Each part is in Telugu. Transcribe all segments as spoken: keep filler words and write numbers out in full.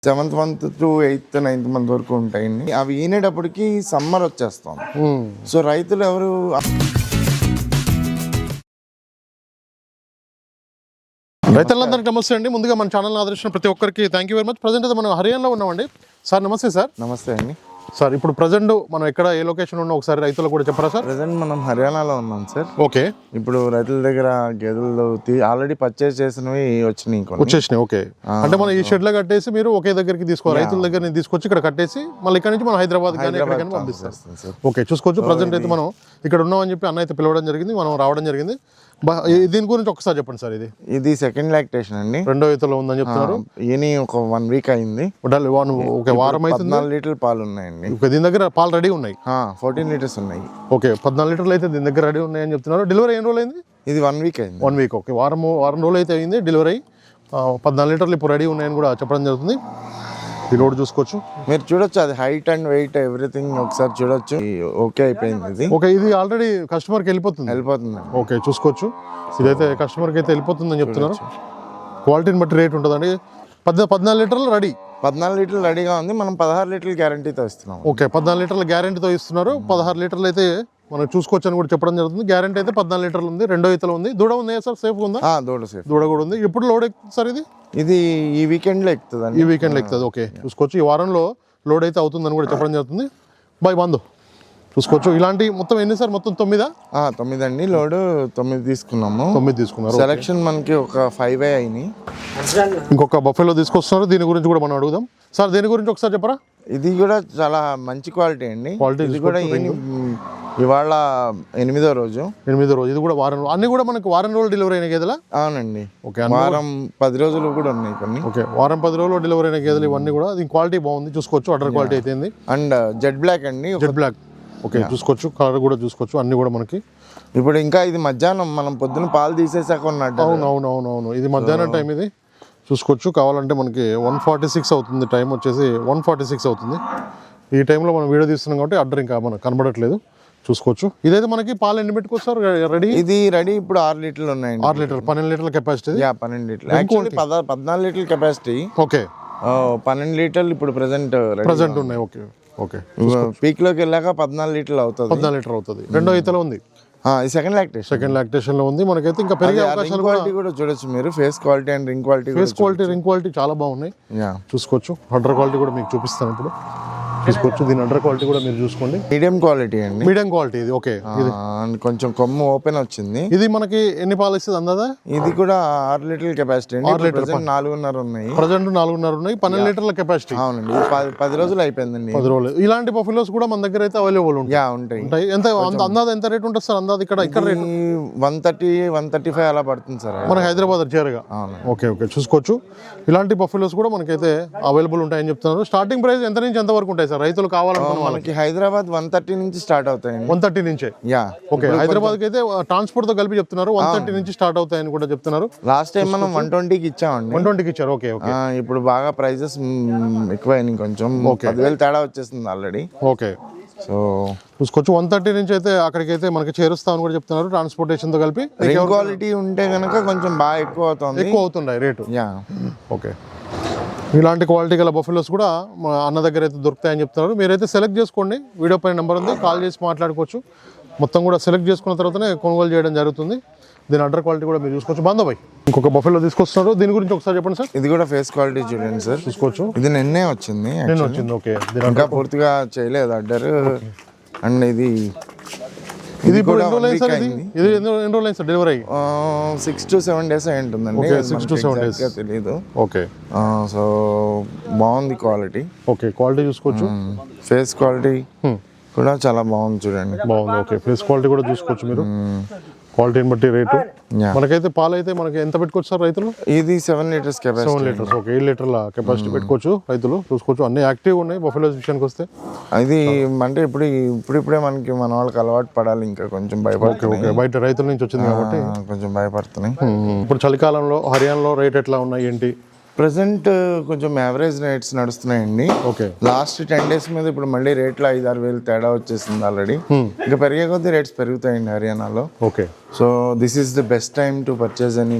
Seventh month to eighth ninth month వరకు ఉంటాయండి. అవి ఈనేటప్పటికి సమ్మర్ వచ్చేస్తాం. సో రైతులు ఎవరు రైతులందరికీ నమస్తే అండి. ముందుగా మన ఛానల్ ఆదరించిన ప్రతి ఒక్కరికి thank you very much. Present అయితే మనం హర్యానాలో ఉన్నామండి. సార్ నమస్తే సార్. నమస్తే అండి సార్. ఇప్పుడు ప్రజెంట్ మనం ఎక్కడ ఏ లొకేషన్ ఉన్నా ఒకసారి రైతులు కూడా చెప్పరా సార్? ప్రజెంట్ మనం హర్యానాలో ఉన్నాం సార్. ఓకే. ఇప్పుడు రైతుల దగ్గర గేదెలు ఆల్రెడీ పర్చేస్ చేసినవి వచ్చినాయి వచ్చేసినాయి. ఓకే. అంటే మనం ఈ షెడ్ లో కట్టేసి మీరు ఒకే దగ్గరికి తీసుకోవాలి, రైతుల దగ్గర నుంచి తీసుకొచ్చి ఇక్కడ కట్టేసి మళ్ళీ ఇక్కడ నుంచి మనం హైదరాబాద్ కానీ ఎక్కడికైనా పంపిస్తాం. ఓకే, చూసుకోవచ్చు. ప్రజెంట్ అయితే మనం ఇక్కడ ఉన్నామని చెప్పి అన్న అయితే పిలవడం జరిగింది, మనం రావడం జరిగింది. దీని గురించి ఒకసారి చెప్పండి సార్. ఇది ఇది సెకండ్ లాక్టేషన్ అండి, రెండో ఈతలో ఉందని చెప్తున్నారు. ఈయన ఒక వన్ వీక్ అయింది, ఒక వారం అయితే పద్నాలుగు లీటర్లు పాలు ఉన్నాయండి. దీని దగ్గర పాలు రెడీ ఉన్నాయి, ఫోర్టీన్ లీటర్స్ ఉన్నాయి. ఓకే, పద్నాలుగు లీటర్లు అయితే దీని దగ్గర రెడీ ఉన్నాయని చెప్తున్నారు. డెలివరీ ఎన్ని రోజులు అయింది? ఇది వన్ వీక్ అయింది. వన్ వీక్ ఓకే, వారం వారం రోజులు అయితే అయింది డెలివరీ. పద్నాలుగు లీటర్లు ఇప్పుడు రెడీ ఉన్నాయని కూడా చెప్పడం జరుగుతుంది. ఈ రోడ్ చూసుకోవచ్చు, మీరు చూడొచ్చు. అది హైట్ అండ్ వెయిట్ ఎవ్రీథింగ్ ఒకసారి చూడొచ్చు. ఓకే అయిపోయింది ఇది. ఓకే, ఇది ఆల్రెడీ కస్టమర్కి వెళ్ళిపోతుంది వెళ్ళిపోతుంది ఓకే, చూసుకోవచ్చు. ఇదైతే కస్టమర్కి అయితే వెళ్ళిపోతుందని చెప్తున్నారు. క్వాలిటీని బట్టి రేట్ ఉంటుందండి. పద్నా పద్నాలుగు లీటర్లు రెడీ పద్నాలుగు లీటర్లు రెడీగా ఉంది. మనం పదహారు లీటర్లు గ్యారంటీతో ఇస్తున్నాం. ఓకే, పద్నాలుగు లీటర్ల గ్యారంటీతో ఇస్తున్నారు. పదహారు లీటర్లు అయితే మనం చూసుకోవచ్చు అని కూడా చెప్పడం జరుగుతుంది. గ్యారంటీ అయితే పద్నాలుగు లీటర్లు ఉంది. రెండో ఈతలు ఉంది. దూడ ఉంది సార్, సేఫ్ ఉందా? దూడ సేఫ్, దూడ కూడా ఉంది. ఎప్పుడు లోడ్ ఎక్కుతుంది సార్? ఇది ఇది ఈ వీకెండ్ లో ఎక్కుతుంది. ఈ వీకెండ్ లో ఎక్కుతుంది. ఓకే, చూసుకోవచ్చు. ఈ వారంలో లోడ్ అయితే అవుతుందని కూడా చెప్పడం జరుగుతుంది. బాయ్ బంధు చూసుకోవచ్చు. ఇలాంటి మొత్తం ఎన్ని సార్? మొత్తం తొమ్మిదా? తొమ్మిది అండి. లోడ్ తొమ్మిది తీసుకున్నాము. తొమ్మిది తీసుకున్నారు. సెలక్షన్ మనకి ఒక ఫైవ్ అయినాయి. ఇంకొక బఫెలో తీసుకొస్తున్నారు. దీని గురించి కూడా మనం అడుగుదాం. సార్ దీని గురించి ఒకసారి చెప్పరా? ఇది కూడా చాలా మంచి క్వాలిటీ అండి. క్వాలిటీ ఇది కూడా ఇవాళ ఎనిమిదో రోజు ఎనిమిదో రోజు ఇది కూడా వారం. అన్ని కూడా మనకు వారం రోజులు డెలివరీ అయిన గేదెలా? అవునండి. ఓకే, వారం పది రోజులు కూడా ఉన్నాయి కొన్ని. ఓకే, వారం పది రోజులు డెలివరీ అయిన గేదెలు ఇవన్నీ కూడా. దీని క్వాలిటీ బాగుంది, చూసుకోవచ్చు. అడర్ క్వాలిటీ అయితే అండ్ జెడ్ బ్లాక్ అండి, జెడ్ బ్లాక్. ఓకే, చూసుకోవచ్చు. కలర్ కూడా చూసుకోవచ్చు. అన్ని కూడా మనకి ఇప్పుడు ఇంకా ఇది మధ్యాహ్నం మనం పొద్దున పాలు తీసేసాక ఉన్నట్టు. అవును అవును అవును అవును ఇది మధ్యాహ్నం టైం. ఇది చూసుకోవచ్చు. కావాలంటే మనకి వన్ ఫార్టీ సిక్స్ అవుతుంది. టైం వచ్చేసి వన్ ఫార్టీ సిక్స్ అవుతుంది. ఈ టైంలో మనం వీడియో తీస్తున్నాం కాబట్టి అడ్డర్ ఇంకా మనకు కనబడట్లేదు. చూసుకోవచ్చు. ఇదైతే మనకి పాలు ఎన్ని పెట్టుకోవచ్చు రెడీ? ఇది రెడీ ఇప్పుడు ఆరు లీటర్లు ఉన్నాయండి. ఆరు లీటర్ పన్నెండు లీటర్ల కెపాసిటీ. పన్నెండు లీటర్లు యాక్చువల్లీ పద్నాలుగు లీటర్ల కెపాసిటీ. ఓకే, పన్నెండు లీటర్లు ఇప్పుడు ప్రెసెంట్ ప్రెసెంట్ ఉన్నాయి. ఓకే ఓకే, పీక్ లోకి వెళ్ళాక పద్నాలుగు లీటర్లు అవుతుంది. పద్నాలుగు లీటర్ అవుతుంది. రెండో ఈతలో ఉంది. సెకండ్ లాక్టేషన్ సెకండ్ లాక్టేషన్ లో ఉంది. మనకైతే ఇంకా పెరిగే అవకాశాలు క్వాలిటీ కూడా చూడొచ్చు మీరు. Face quality and ring quality face quality ring quality చాలా బాగున్నాయి. చూసుకోవచ్చు. అండర్ క్వాలిటీ కూడా మీకు చూపిస్తాను ఇప్పుడు. చూసుకోవచ్చు. దీని అండర్ క్వాలిటీ కూడా మీరు చూసుకోండి. మీడియం క్వాలిటీ అండి. మీడియం క్వాలిటీ ఇది. ఓకే, ఇది కొంచెం కొమ్ము ఓపెన్ వచ్చింది. ఇది మనకి ఎన్ని పాలు ఇస్తుంది అందాదా? ఇది కూడా ఆరు లీటర్ల కెపాసిటీ అండి. ఆరు లీటర్ నాలుగున్నర ఉన్నాయి. ప్రజెంట్ నాలుగున్నర ఉన్నాయి. పన్నెండు లీటర్ల కెపాసిటీ. అవునండి, పది రోజులు అయిపోయిందండి. పది రోజులు. ఇలాంటి బఫెలోస్ కూడా మన దగ్గర అయితే అవైలబుల్ ఉంటాయి. ఉంటాయి. ఎంత అందాద ఎంత రేట్ ఉంటుంది సార్? అందాద ఇక్కడ ఇక్కడ rate one thirty one thirty five అలా పడుతుంది సార్ మనకి హైదరాబాద్ చేరగా. ఓకే ఓకే, చూసుకోవచ్చు. ఇలాంటి బఫెలోస్ కూడా మనకైతే అవైలబుల్ ఉంటాయని చెప్తున్నారు. స్టార్టింగ్ ప్రైస్ ఎంత నుంచి ఎంత వరకు ఉంటాయి సార్ రైతులు కావాలంటే? మనకి హైదరాబాద్ వన్ థర్టీ నుంచి స్టార్ట్ అవుతాయి. వన్ థర్టీ నుంచే. యా ఓకే, హైదరాబాద్ కి అయితే ట్రాన్స్పోర్ట్ తో కలిపి చెప్తున్నారు. వన్ థర్టీ నుంచి స్టార్ట్ అవుతాయని కూడా చెప్తున్నారు. లాస్ట్ టైం మనం వన్ ట్వంటీకి ఇచ్చామండి. వన్ ట్వంటీకి ఇచ్చారు. ఓకే ఓకే, ఇప్పుడు బాగా ప్రైజెస్ ఎక్కువైనాయి కొంచెం. పదివేలు తేడా వచ్చేస్తుంది ఆల్రెడీ. ఓకే, సో చూసుకోవచ్చు. వన్ థర్టీ నుంచి అయితే అక్కడికి అయితే మనకి చేరుస్తామని కూడా చెప్తున్నారు. ట్రాన్స్పోర్టేషన్ తో కలిపి క్వాలిటీ ఉంటే కనుక కొంచెం బాగా ఎక్కువ అవుతుంది. ఎక్కువ అవుతుండే రేటు. యా ఓకే, ఇలాంటి క్వాలిటీ గల బఫెలోస్ కూడా మా అన్న దగ్గర అయితే దొరుకుతాయని చెప్తున్నారు. మీరైతే సెలెక్ట్ చేసుకోండి. వీడియో పైన నెంబర్ ఉంది, కాల్ చేసి మాట్లాడుకోవచ్చు. మొత్తం కూడా సెలెక్ట్ చేసుకున్న తర్వాతనే కొనుగోలు చేయడం జరుగుతుంది. దీని అండర్ క్వాలిటీ కూడా మీరు చూసుకోవచ్చు. బాంధబాయ్ ఇంకొక బఫెలో తీసుకొస్తున్నారు. దీని గురించి ఒకసారి చెప్పండి సార్. ఇది కూడా ఫేస్ క్వాలిటీ చూడండి సార్. చూసుకోవచ్చు. ఇది నిన్నే వచ్చింది. నిన్న వచ్చింది. ఓకే, ఇంకా పూర్తిగా చేయలేదు అడ్డర్. అండ్ ఇది ఇది ఇప్పుడు ఎన్ని రోజులు అయింది సార్? ఇది ఇది ఎన్ని రోజులు అయింది sir delivery? Six to seven days అయి ఉంటుందండి. సిక్స్ టు సెవెన్ డేస్ తెలియదు. ఓకే, సో బాగుంది క్వాలిటీ. ఓకే, క్వాలిటీ చూసుకోవచ్చు. ఫేస్ క్వాలిటీ కూడా చాలా బాగుంది చూడండి. బాగుంది. ఓకే, ఫేస్ క్వాలిటీ కూడా చూసుకోవచ్చు మీరు. క్వాలిటీని బట్టి రేటు. మనకైతే పాలు అయితే మనకి ఎంత పెట్టుకోవచ్చు సార్ రైతులు? ఇది seven litres capacity. Seven litres okay, eight లీటర్ల కెపాసిటీ పెట్టుకోవచ్చు రైతులు. చూసుకోవచ్చు. అన్ని యాక్టివ్ ఉన్నాయి బఫెలోస్ విషయానికి వస్తే. అది అంటే ఇప్పుడు ఇప్పుడిప్పుడే మనకి మన వాళ్ళకి అలవాటు పడాలి. ఇంకా కొంచెం భయపడుతుంది. ఓకే, బయట రైతుల నుంచి వచ్చింది కాబట్టి కొంచెం భయపడుతున్నాయి. ఇప్పుడు చలికాలంలో హర్యానాలో రేట్ ఎట్లా ఉన్నాయి ఏంటి? ప్రజెంట్ కొంచెం యావరేజ్ రేట్స్ నడుస్తున్నాయండి. ఓకే. లాస్ట్ టెన్ డేస్ మీద ఇప్పుడు మళ్ళీ రేట్లు ఐదు ఆరు వేలు తేడా వచ్చేసింది ఆల్రెడీ. ఇంకా పెరిగే కొద్దీ రేట్స్ పెరుగుతాయండి హర్యానాలో. Okay. So this is the best time to purchase అని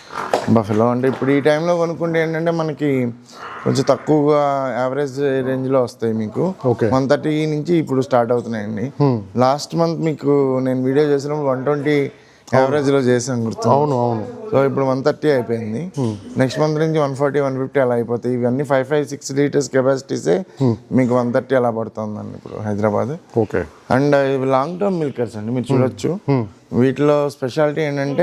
బఫెలో. అంటే ఇప్పుడు ఈ టైంలో కొనుక్కుంటే ఏంటంటే మనకి కొంచెం తక్కువగా యావరేజ్ రేంజ్లో వస్తాయి మీకు. ఓకే. వన్ థర్టీ నుంచి ఇప్పుడు స్టార్ట్ అవుతున్నాయండి. లాస్ట్ మంత్ మీకు నేను వీడియో చేసినప్పుడు వన్ ట్వంటీ యావరేజ్లో చేసాను గుర్తు. అవును అవును. సో ఇప్పుడు వన్ థర్టీ అయిపోయింది. నెక్స్ట్ మంత్ నుంచి వన్ ఫార్టీ వన్ ఫిఫ్టీ అలా అయిపోతాయి. ఇవన్నీ ఫైవ్ ఫైవ్ సిక్స్ లీటర్స్ కెపాసిటీసే మీకు వన్ థర్టీ అలా పడుతుందండి ఇప్పుడు హైదరాబాద్. ఓకే. అండ్ ఇవి లాంగ్ టర్మ్ మిల్కర్స్ అండి, మీరు చూడొచ్చు. వీటిలో స్పెషాలిటీ ఏంటంటే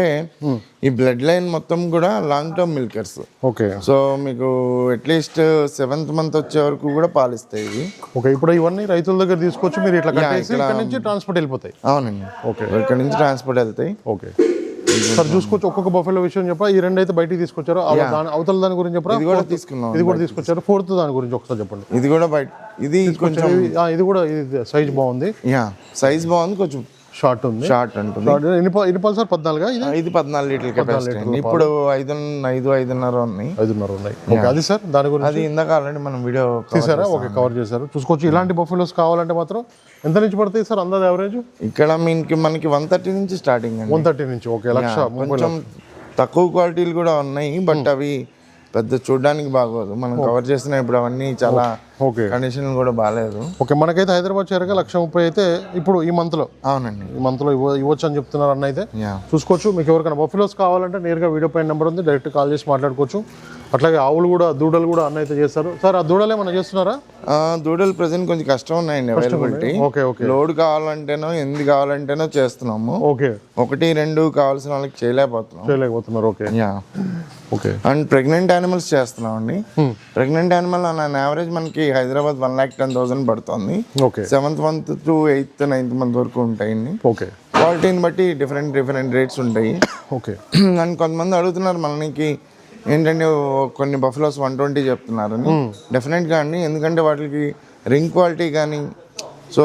ఈ బ్లడ్ లైన్ మొత్తం కూడా long term milkers. Okay. So మీకు అట్లీస్ట్ సెవెంత్ మంత్ వచ్చే వరకు కూడా పాలిస్తాయి ఇవి. ఓకే. ఇప్పుడు ఇవన్నీ రైతుల దగ్గర తీసుకొచ్చి మీరు ఇట్లా కట్టేసి ఇక్కడ నుంచి ట్రాన్స్పోర్ట్ వెళ్ళిపోతాయి. అవునండి. ఓకే. ఇక్కడ నుంచి ట్రాన్స్పోర్ట్ వెళ్తాయి. ఓకే సార్, చూసుకోవచ్చు. ఒక్కొక్క బఫెలో విషయం చెప్పా. ఈ రెండు అయితే బయటికి తీసుకొచ్చారు. దాని అవతల దాని గురించి చెప్పరా? ఇది కూడా తీసుకున్నాం. ఇది కూడా తీసుకొచ్చారు. ఫోర్త్ దాని గురించి ఒకసారి చెప్పండి. ఇది కూడా బయట, ఇది కొంచెం ఇది కూడా ఇది సైజ్ బాగుంది. యా సైజ్ బాగుంది, కొంచెం షార్ట్ ఉంది. షార్ట్ ఉంటుంది. ఎన్ని పల్స్ సార్? పద్నాలుగు. ఇది పద్నాలుగు లీటర్ కెపాసిటీ. ఇప్పుడు ఐదు ఐదు ఐదున్నర ఉన్నాయి. ఐదున్నర ఉన్నాయి. ఓకే. అది సార్ దాని గురించి అది ఇందాక ఆల్రెడీ మనం వీడియో తీసారా? ఓకే, కవర్ చేశారు. చూసుకోవచ్చు. ఇలాంటి బఫెలోస్ కావాలంటే మాత్రం ఎంత నుంచి పడతాయి సార్ అందాజ యావరేజ్? ఇక్కడ మీకు మనకి వన్ థర్టీ నుంచి స్టార్టింగ్ అండి. వన్ థర్టీ నుంచి. ఓకే. లక్ష. కొంచెం తక్కువ క్వాలిటీలు కూడా ఉన్నాయి, బట్ అవి పెద్ద చూడడానికి బాగోదు. మనం కవర్ చేసిన ఇప్పుడు అవన్నీ చాలా ఓకే కండిషన్ కూడా బాగాలేదు. ఓకే. మనకైతే హైదరాబాద్ చేరగా లక్ష ముప్పై అయితే ఇప్పుడు ఈ మంత్ లో. అవునండి. ఈ మంత్ లో ఇవ్వ ఇవ్వచ్చు అని చెప్తున్నారు అన్న. అయితే చూసుకోవచ్చు. మీకు ఎవరికైనా బఫెలోస్ కావాలంటే నేరుగా వీడియో పైన నెంబర్ ఉంది, డైరెక్ట్ కాల్ చేసి మాట్లాడుకోవచ్చు. అట్లాగే ఆవులు కూడా, దూడలు కూడా అన్న అయితే చేస్తారు. సార్ ఆ దూడలు ఏమన్నా చేస్తున్నారా? దూడలు ప్రెసెంట్ కొంచెం కష్టం ఉన్నాయండి అవైలబిలిటీ. ఓకే. ఓకే. లోడ్ కావాలంటేనో ఎందు కావాలంటేనో చేస్తున్నాము. ఓకే. ఒకటి రెండు కావాల్సిన వాళ్ళకి చేయలేకపోతున్నాం చేయలేకపోతున్నారు okay. Yeah. Okay. And pregnant animals చేస్తున్నాం అండి. ప్రెగ్నెంట్ యానిమల్ ఆన్ యావరేజ్ మనకి Hyderabad one lakh ten thousand పడుతుంది. Okay. Seventh month to eighth ninth month వరకు ఉంటాయండి. ఓకే. క్వాలిటీని బట్టి డిఫరెంట్ డిఫరెంట్ రేట్స్ ఉంటాయి. ఓకే. అండ్ కొంతమంది అడుగుతున్నారు మనకి ఏంటంటే కొన్ని బఫెలోస్ వన్ ట్వంటీ చెప్తున్నారని. డెఫినెట్గా అండి, ఎందుకంటే వాటికి రింగ్ క్వాలిటీ కానీ, సో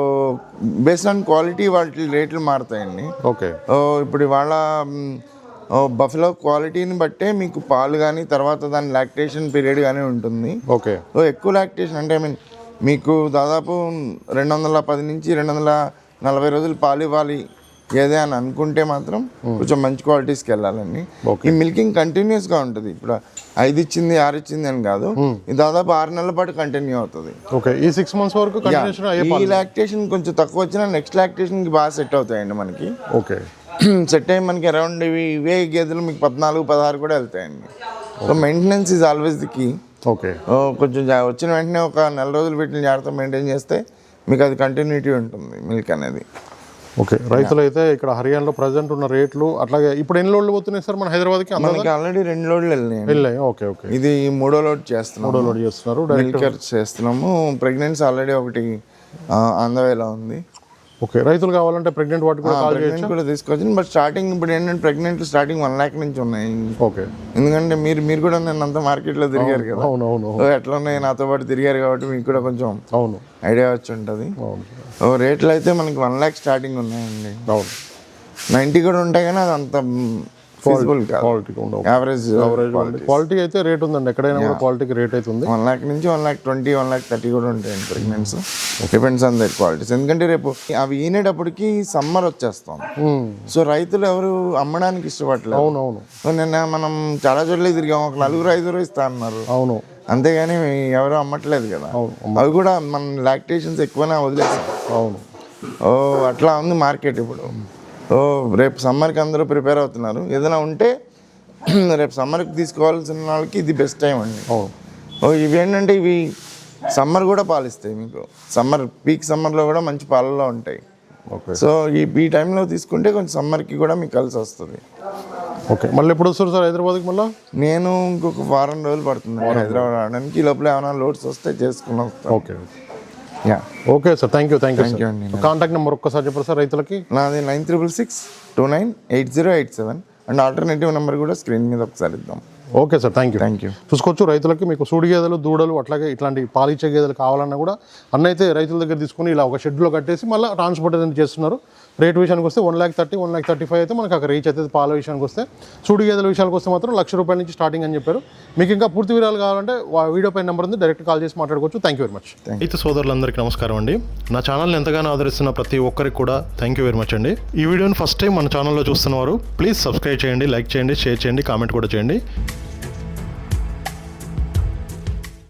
బేస్డ్ ఆన్ క్వాలిటీ వాటి రేట్లు మారుతాయండి. ఓకే. ఇప్పుడు ఇవాళ బఫెలో క్వాలిటీని బట్టే మీకు పాలు కానీ తర్వాత దాని లాక్టేషన్ పీరియడ్ కానీ ఉంటుంది. ఓకే. సో ఎక్కువ లాక్టేషన్ అంటే ఐ మీన్ మీకు దాదాపు రెండు వందల పది నుంచి రెండు వందల నలభై రోజులు పాలు ఇవ్వాలి ఏదే అని అనుకుంటే మాత్రం కొంచెం మంచి క్వాలిటీస్కి వెళ్ళాలండి. ఈ మిల్కింగ్ కంటిన్యూస్గా ఉంటుంది. ఇప్పుడు ఐదు ఇచ్చింది ఆరు ఇచ్చింది అని కాదు, ఇది దాదాపు ఆరు నెలల పాటు కంటిన్యూ అవుతుంది. ఓకే. ఈ సిక్స్ మంత్స్ వరకు ఈ లాక్టేషన్ కొంచెం తక్కువ వచ్చినా నెక్స్ట్ లాక్టేషన్కి బాగా సెట్ అవుతాయండి మనకి. ఓకే. సెట్ అయ్యి మనకి అరౌండ్ ఇవి ఇవే గేదెలు మీకు పద్నాలుగు పదహారు కూడా వెళ్తాయండి. So maintenance is always the key. Okay. కొంచెం వచ్చిన వెంటనే ఒక నెల రోజులు వీటిని జాగ్రత్త మెయింటైన్ చేస్తే మీకు అది కంటిన్యూటీ ఉంటుంది మిల్క్ అనేది. ఓకే. రైతులు అయితే ఇక్కడ హర్యానాలో ప్రజెంట్ ఉన్న రేట్లు అట్లాగే ఇప్పుడు ఎన్ని లోడ్లు పోతున్నాయి సార్ మన హైదరాబాద్కి? మనకి ఆల్రెడీ రెండు లోడ్లు వెళ్ళినాయి. వెళ్ళాయి. ఓకే. ఓకే. ఇది మూడో లోడ్ చేస్తున్నాం. మూడో లోడ్ చేస్తున్నారు. మిల్కర్ చేస్తున్నాము. ప్రెగ్నెన్సీ ఆల్రెడీ ఒకటి ఆన్ ద వేలో ఉంది. ఓకే. రైతులు కావాలంటే ప్రెగ్నెంట్ వాటి కూడా కాల్ చేయొచ్చు, కూడా తీసుకోవచ్చు. బట్ స్టార్టింగ్ ఇప్పుడు ఏంటంటే ప్రెగ్నెంట్ స్టార్టింగ్ వన్ ల్యాక్ నుంచి ఉన్నాయి. ఓకే. ఎందుకంటే మీరు మీరు కూడా నేను అంత మార్కెట్లో తిరిగారు కదా. అవునవును. ఎట్లా ఉన్నాయి నాతో పాటు తిరిగారు కాబట్టి మీకు కూడా కొంచెం అవును ఐడియా వచ్చి ఉంటుంది. రేట్లు అయితే మనకి వన్ ల్యాక్ స్టార్టింగ్ ఉన్నాయండి. అవును. నైంటీ కూడా ఉంటాయి కానీ అది అంత ఫీజిబుల్ కాదు. యావరేజ్ క్వాలిటీ అయితే రేట్ ఉందండి. ఎక్కడైనా కూడా క్వాలిటీకి రేట్ అయితే ఉంది. వన్ ల్యాక్ నుంచి one lakh twenty one lakh thirty కూడా ఉంటాయండి pregnancy. Depends on that qualities. ఎందుకంటే రేపు అవి ఈనేటప్పటికి సమ్మర్ వచ్చేస్తాం. సో రైతులు ఎవరు అమ్మడానికి ఇష్టపడలేదు. అవునవును. సో నిన్న మనం చాలా చోట్ల తిరిగాం, ఒక నలుగురు ఐదుగురు ఇస్తా అన్నారు. అవును. అంతేగాని ఎవరు అమ్మట్లేదు కదా. అవి కూడా మన లాక్టేషన్స్ ఎక్కువనే వదిలేసాం. అవును. ఓ అట్లా ఉంది మార్కెట్ ఇప్పుడు. ఓ రేపు సమ్మర్కి అందరూ ప్రిపేర్ అవుతున్నారు. ఏదైనా ఉంటే రేపు సమ్మర్కి తీసుకోవాల్సిన వాళ్ళకి ఇది బెస్ట్ టైం అండి. ఓ ఇవి ఏంటంటే ఇవి సమ్మర్ కూడా పాలిస్తాయి మీకు. సమ్మర్ పీక్ సమ్మర్లో కూడా మంచి పాలలో ఉంటాయి. ఓకే. సో ఈ ఈ టైంలో తీసుకుంటే కొంచెం సమ్మర్కి కూడా మీకు కలిసి వస్తుంది. ఓకే. మళ్ళీ ఎప్పుడు వస్తారు సార్ హైదరాబాద్కి? మళ్ళీ నేను ఇంకొక వారం రోజులు పడుతుంది హైదరాబాద్ రావడానికి. ఈ లోపల ఏమైనా లోడ్స్ వస్తే చేసుకుని వస్తాను. Okay. Yeah. Okay sir. Thank you. Thank you thank you అండి. కాంటాక్ట్ నెంబర్ ఒక్కసారి చెప్పారు సార్ రైతులకి? నాది nine triple six two nine eight zero eight seven and alternative number కూడా స్క్రీన్ మీద ఒకసారి ఇద్దాం. Okay sir, thank you thank you. చూసుకోవచ్చు రైతులకి మీకు సూడి గేదెలు, దూడలు అట్లాగే ఇట్లాంటి పాలిచ్చే గేదెలు కావాలన్నా కూడా అన్న అయితే రైతుల దగ్గర తీసుకుని ఇలా ఒక షెడ్లో కట్టేసి మళ్ళీ ట్రాన్స్పోర్టేషన్ చేస్తున్నారు. రేట్ విషయానికి వస్తే one lakh thirty one lakh thirty five అయితే మనకు అక్కడ రీచ్ అవుతుంది. పాల విషయానికి వస్తే సూడి గేదెల విషయానికి వస్తే మాత్రం లక్ష రూపాయల నుంచి స్టార్టింగ్ అని చెప్పారు. మీకు ఇంకా పూర్తి వివరాలు కావాలంటే వీడియో పైన నెంబర్ ఉంది, డైరెక్ట్ కాల్ చేసి మాట్లాడుకోవచ్చు. Thank you very much. అయితే సోదరులందరికీ నమస్కారం అండి. నా ఛానల్ని ఎంతగానో ఆదరిస్తున్న ప్రతి ఒక్కరికి కూడా థ్యాంక్ యూ వెరీ మచ్ అండి. ఈ వీడియోని ఫస్ట్ టైం మన ఛానల్లో చూస్తున్నవారు ప్లీజ్ సబ్స్క్రైబ్ చేయండి, లైక్ చేయండి, షేర్ చేయండి, కామెంట్ కూడా చేయండి.